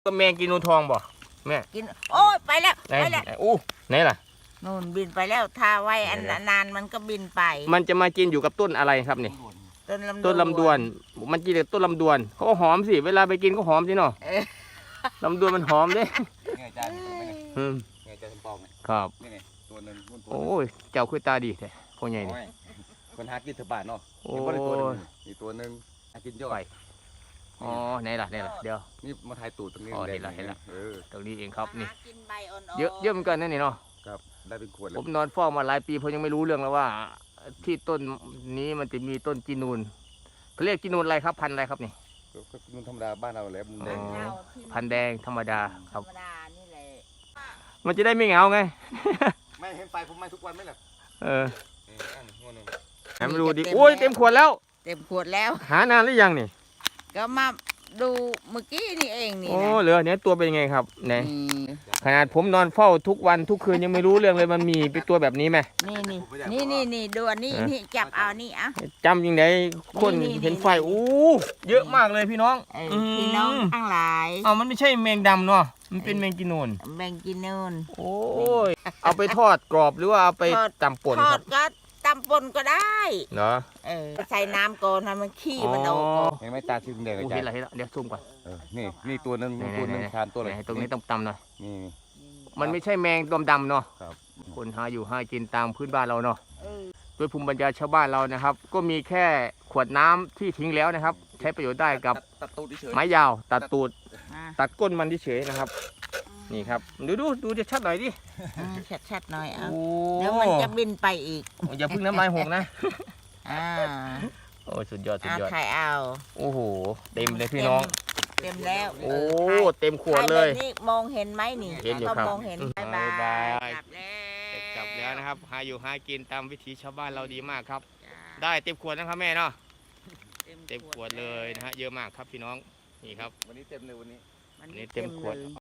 ก็แมงกินนูทองบ่แม่กินโอ้ยไปแล้วไหนไปแล้วอู้ไหนล่ะนู่นบินไปแล้วถ้าไว้อันนานมันก็บินไปมันจะมากินอยู่กับต้นอะไรครับนี่ต้นลำดวนมันกินกับต้นลำดวนเขาก็หอมสิเวลาไปกินก็หอมสิเนาะลำดวนมันหอมเด้ไงจานไงจานปองเนี่ยครับนี่ไงตัวนึงโอ้ยเจ้าคุยตาดีแท้พ่อใหญ่นี่คนหากินเถอะบ้านเนาะโอ้ยอีกตัวนึงหากินย่อยอ๋อไหนล่ะเดี๋ยวนี่มาถ่ายตูดตรงนี้เห็นละตรงนี้เองครับนี่กินใบอ่อนๆเยอะเหมือนกันนั่นนี่เนาะครับได้เป็นขวดผมนอนเฝ้ามาหลายปีผมยังไม่รู้เรื่องแล้วว่าที่ต้นนี้มันจะมีต้นจีนูนเขาเรียกจีนูนอะไรครับพันธุ์อะไรครับนี่ก็นุ่นธรรมดาบ้านเราแหละมันแดงพันธุ์แดงธรรมดาคธรรับรมดานี่แหละมันจะได้ไม่เหงาไงไม่เห็นไฟผมไม่ทุกวันไหมล่ะให้มันดูดิโอ้ยเต็มขวดแล้วเต็มขวดแล้วหานานหรือยังนี่ก็มาดูเมื่อกี้นี่เองนี่โอ้นะเหลือเนี้ยตัวเป็นยังไงครับไหนขนาดผมนอนเฝ้าทุกวันทุกคืนยังไม่รู้เรื่องเลยมันมีเป็นตัวแบบนี้ไหมนี่ดูอันนี้นี่จับเอานี่อ่ะจำยังไงคนเห็นไฟโอ้เยอะมากเลยพี่น้องพี่น้องทั้งหลายมันไม่ใช่แมงดำเนาะมันเป็นแมงกินูนแมงกินูนโอ้ยเอาไปทอดกรอบหรือว่าเอาไปตำป่นครับก็ตำปนก็ได้เนาะใส่น้ำก่อนให้มันขี้มันออกเห็นไหมตาชื่นแดงเลยจ้ะเห็นละเดี๋ยวซูมก่อนนี่ตัวนึงทานตัวเลยตรงนี้ต้องตำหน่อยนี่มันไม่ใช่แมงดำเนาะคนหาอยู่หากินตามพื้นบ้านเราเนาะด้วยภูมิปัญญาชาวบ้านเรานะครับก็มีแค่ขวดน้ำที่ทิ้งแล้วนะครับใช้ประโยชน์ได้กับไม้ยาวตัดตูดตัดก้นมันเฉยนะครับนี่ครับดูจะชัดหน่อยดิชัดหน่อยเอาเดี๋ยวมันจะบินไปอีกอย่าพึ่งน้ำลายหกนะโอ้สุดยอดถ่ายเอาโอ้โหเต็มเลยพี่น้องเต็มแล้วโอ้เต็มขวดเลยนี่มองเห็นไหมนี่เห็นอยู่ครับมองเห็นบายกลับแล้วนะครับหาอยู่หากินตามวิถีชาวบ้านเราดีมากครับได้เต็มขวดนะครับแม่เนาะเต็มขวดเลยนะฮะเยอะมากครับพี่น้องนี่ครับวันนี้เต็มเลยวันนี้เต็มขวด